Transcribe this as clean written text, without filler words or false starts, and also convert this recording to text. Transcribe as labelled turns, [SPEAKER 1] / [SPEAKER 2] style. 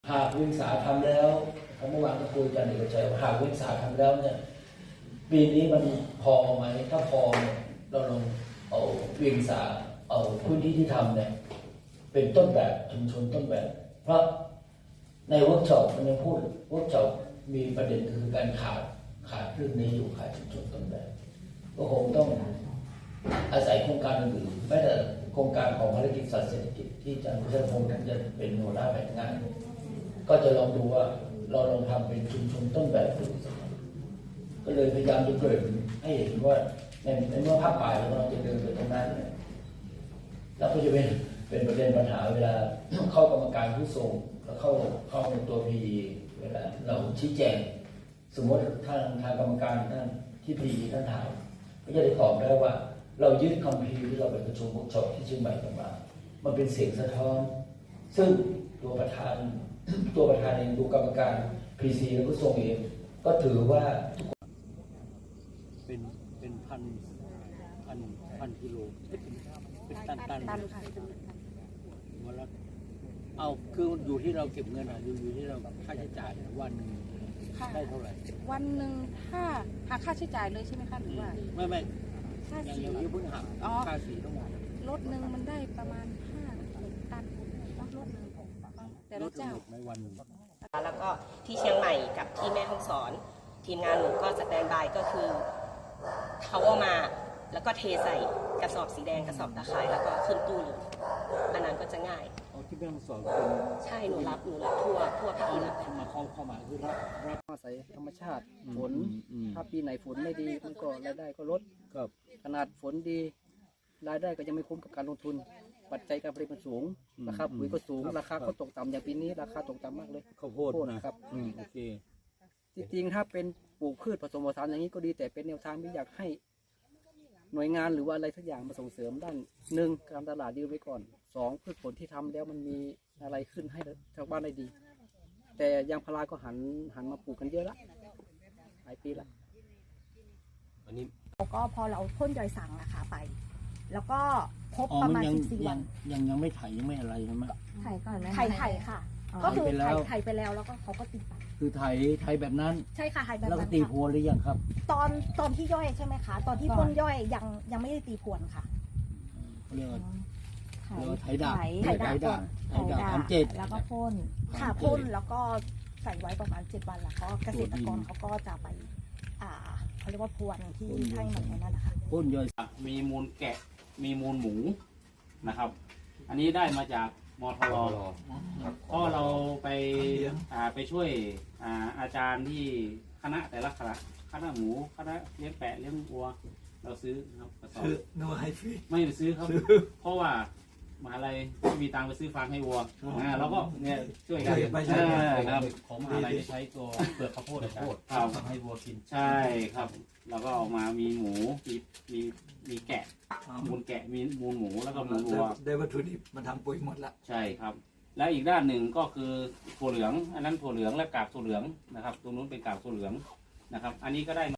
[SPEAKER 1] หากวิสาทำแล้วเมื่อวานก็คุยกันเอกชัยหากวิสาทำแล้วเนี่ยปีนี้มันพอไหมถ้าพอเนี่ยเราลองเอาวิสาเอาพื้นที่ที่ทำเนี่ยเป็นต้นแบบชุมชนต้นแบบเพราะในเวิร์กช็อปมันยังพูดเวิร์กช็อปมีประเด็นคือการขาดเรื่องนี้อยู่ขาดชุมชนต้นแบบก็คงต้องอาศัยโครงการอื่นๆแม้แต่โครงการของภารกิจสัตว์เศรษฐกิจที่อาจารย์พุทธพงศ์ท่านจะเป็นหัวหน้าแผนงานก็จะลองดูว่าเราลองทำเป็นชุมชนต้นแบบดูก็เลยพยายามจะเกริ่นให้เห็นว่าในเมื่อภาคป่าเราจะเดินไปตรงนั้นเนี่ยแล้วก็จะเป็นประเด็นปัญหาเวลาเข้ากรรมการผู้ทรงแล้วเข้าในตัวพีเวลาเราชี้แจงสมมติทางกรรมการท่านที่พีท่านถามก็จะได้ตอบได้ว่าเรายึดคำพีที่เราไปประชุมเวิร์กช็อปที่เชียงใหม่กันมามันเป็นเสียงสะท้อนซึ่งตัวประธานเองดูกรรมการพีซีและผู้ทรงเองก็ถือว่าเป็นพันกิโลเป็นตันค่ะวันละเอาคืออยู่ที่เราเก็บเงินอยู่ที่เราค่าใช้จ่ายวันนึงได้เท่าไหร่
[SPEAKER 2] วันหนึ่งถ้าหาค่าใช้จ่ายเลยใช่ไหมคะหรือว่า
[SPEAKER 1] ไม่
[SPEAKER 2] ค่าสี
[SPEAKER 1] ยังเพิ่งหักค่าสีทั้งหมด
[SPEAKER 2] รถหนึ่งมันได้ประมาณ5 ตันรถหนึ่งแต่ละเจ้า
[SPEAKER 1] ในวันนึง
[SPEAKER 3] แล้วก็ที่เชียงใหม่กับที่แม่ฮ่องสอนทีมงานหนูก็สแตนบายก็คือเขาเอามาแล้วก็เทใส่กระสอบสีแดงกระสอบตะข่ายแล้วก็ขึ้นตู้เลยอันนั้นก็จะง่าย
[SPEAKER 1] ที่แม่ฮ่องสอน
[SPEAKER 3] ใช่หนูรับทั่วภาคอีสาน
[SPEAKER 1] มาเข้ามาคือรับ
[SPEAKER 4] อาศัยธรรมชาติฝนถ้าปีไหนฝนไม่ดีมันก็รายได้ก็ลดขนาดฝนดีรายได้ก็ยังไม่คุ้มกับการลงทุนปัจจัยการผลิตมันสูงราคาปุ๋ยก็สูงราคาก็ตกต่ำอย่างปีนี้ราคาตกต่ำมากเลย
[SPEAKER 1] ข้าวโพด
[SPEAKER 4] นะครับ
[SPEAKER 1] โอเค
[SPEAKER 4] จริงๆถ้าเป็นปลูกพืชผสมผสานอย่างนี้ก็ดีแต่เป็นแนวทางที่อยากให้หน่วยงานหรือว่าอะไรสักอย่างมาส่งเสริมด้านหนึ่งการตลาดดีไว้ก่อน2พืชผลที่ทำแล้วมันมีอะไรขึ้นให้ชาวบ้านได้ดีแต่ยางพาราก็หันมาปลูกกันเยอะละหลายปีละ
[SPEAKER 1] อันนี้
[SPEAKER 2] ก็พอเราพ่นยอยสังนะคะไปแล้วก็ครบประมาณ14 วัน
[SPEAKER 1] ยังไม่ไถยังไม่อะไรใช่ไหม
[SPEAKER 2] ไถก่อนไหมไถค่ะก็คือไถไปแล้วแล้วก็เขาก็ตีไป
[SPEAKER 1] คือไถแบบนั้น
[SPEAKER 2] ใช่ค่ะไถแบบนั้น
[SPEAKER 1] แล้วก็ตีพรวนหรือยังครับ
[SPEAKER 2] ตอนที่ย่อยใช่ไหมคะตอนที่พ่นย่อยยังไม่ได้ตีพรวนค่ะ
[SPEAKER 1] เขาเรียกว่าไถด่าง
[SPEAKER 2] ทำ7แล้วก็พ่นค่ะพ่นแล้วก็ใส่ไว้ประมาณ7 วันแล้วก็เกษตรกรเขาก็จะไปเขาเรียกว่าพรวนที่ให้มันนั่นนะคะ
[SPEAKER 1] พ่นย่อย
[SPEAKER 5] มีมูลแกะมีมูลหมูนะครับอันนี้ได้มาจากมทรก็เราไปช่วยอาจารย์ที่คณะแต่ละคณะหมูคณะเลี้ยงแปะเลี้ยงวัวเราซื้อครับกระสอบไม่ไปซื้อครับเพราะว่ามหาลัยไม่มีตังค์ไปซื้อฟางให้วัวเราก็เนี่ยช่วยกันครับของมหาลัยใช้ตัวเปลือกข้าวโพดให้วัวกินใช่ครับแล้วก็ออกมามีหมูมีแกะมูลแกะมีมูลหมูแล้วก็มูลวัว
[SPEAKER 6] ได้วัตถุดิบมาทำปุ๋ยหมดละ
[SPEAKER 5] ใช่ครับแล้วอีกด้านหนึ่งก็คือถั่วเหลืองอันนั้นถั่วเหลืองและกากถั่วเหลืองนะครับตรงนู้นเป็นกากถั่วเหลืองนะครับอันนี้ก็ได้